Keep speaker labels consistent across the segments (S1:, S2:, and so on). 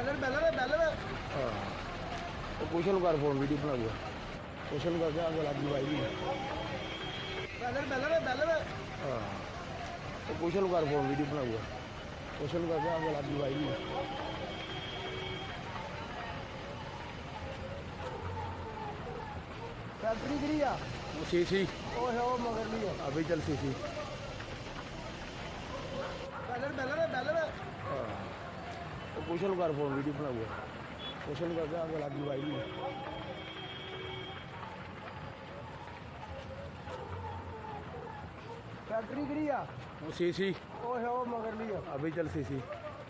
S1: ਕੁਸ਼ਨ ਕਰ phone video ਬਣਾ ਲਿਆ ਕੁਸ਼ਨ ਕਰ ਜਾ ਅੱਗ ਲੱਗੀ ਵਾਈ ਹਾਂ ਕੁਸ਼ਨ ਕਰ ਫੋਨ ਵੀਡੀਓ ਬਣਾ ਲਿਆ ਕੁਸ਼ਨ ਕਰ ਜਾ ਅੱਗ ਲੱਗੀ ਵਾਈ फैक्ट्री गिरी आ वो सीसी ओ है वो मगर ली है अभी चल सीसी बैलर हां तो क्वेश्चन कर फोन वीडियो बना हुआ क्वेश्चन कर जा आगे लगी भाई फैक्ट्री गिरी आ वो सीसी ओ है वो मगर ली है अभी चल सीसी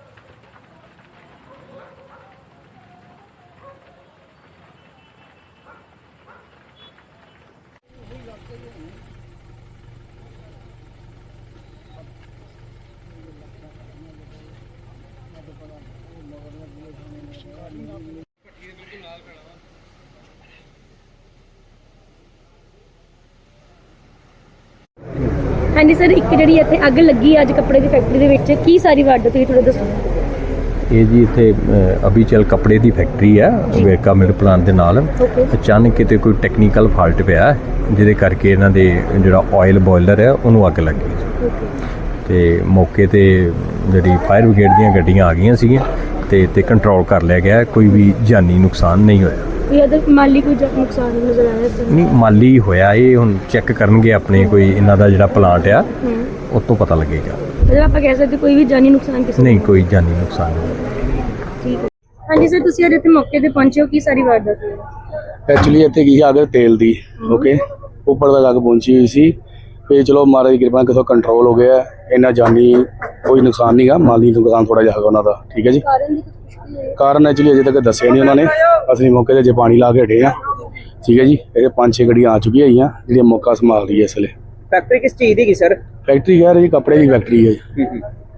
S2: हाँ जी सर, एक जी इतने अग लगी अज कपड़े की फैक्ट्री के की सारी वारदात हुई थोड़ा दसो।
S3: ये जी इत्थे अबीचल कपड़े की फैक्ट्री है वेरका मिल प्लांट के नाल अचानक किते कोई टैक्नीकल फॉल्ट पिया जिहदे करके इन्हां दे जिहड़ा ऑयल बॉयलर है उन्होंने अग लग गई ते मौके ते जिहड़ी फायर ब्रिगेड दीयां गड्डियां आ गईयां सीगियां ते कंट्रोल कर लिया गया कोई भी जानी नुकसान नहीं होया।
S2: माली कोई नुकसान नजर आया
S3: नहीं माली होया ये हुण चेक करनगे अपने कोई इन्हां दा जिहड़ा प्लांट आ उस तो पता लगेगा।
S2: मतलब आप कह सकते कोई भी जानी नुकसान किसी
S3: नहीं कोई जानी नुकसान नहीं।
S2: ठीक है हाँ जी सर, तुसीं अज इत्थे मौके ते पहुंचे हो की सारी वारदात हुई?
S1: एक्चुअली इत्थे की अग तेल दी ओके ऊपर तक अग पहुंची हुई सी फिर चलो महाराज की कृपा कितों कंट्रोल हो गया इन्ना जानी कोई नुकसान नहीं गा माली नुकसान थोड़ा जिहा उन्हां दा ठीक है जी। कारण एक्चुअली अजे तक दस्सिया नहीं उन्होंने असली मौके ते जे पानी ला के हटे हैं ठीक है जी। ये 5-6 गड्डियां आ चुकी है जी मौका संभाल रही है इसलिए।
S4: फैक्ट्री किस चीज़ की सर?
S1: फैक्ट्री कह रही कपड़े की फैक्ट्री है जी।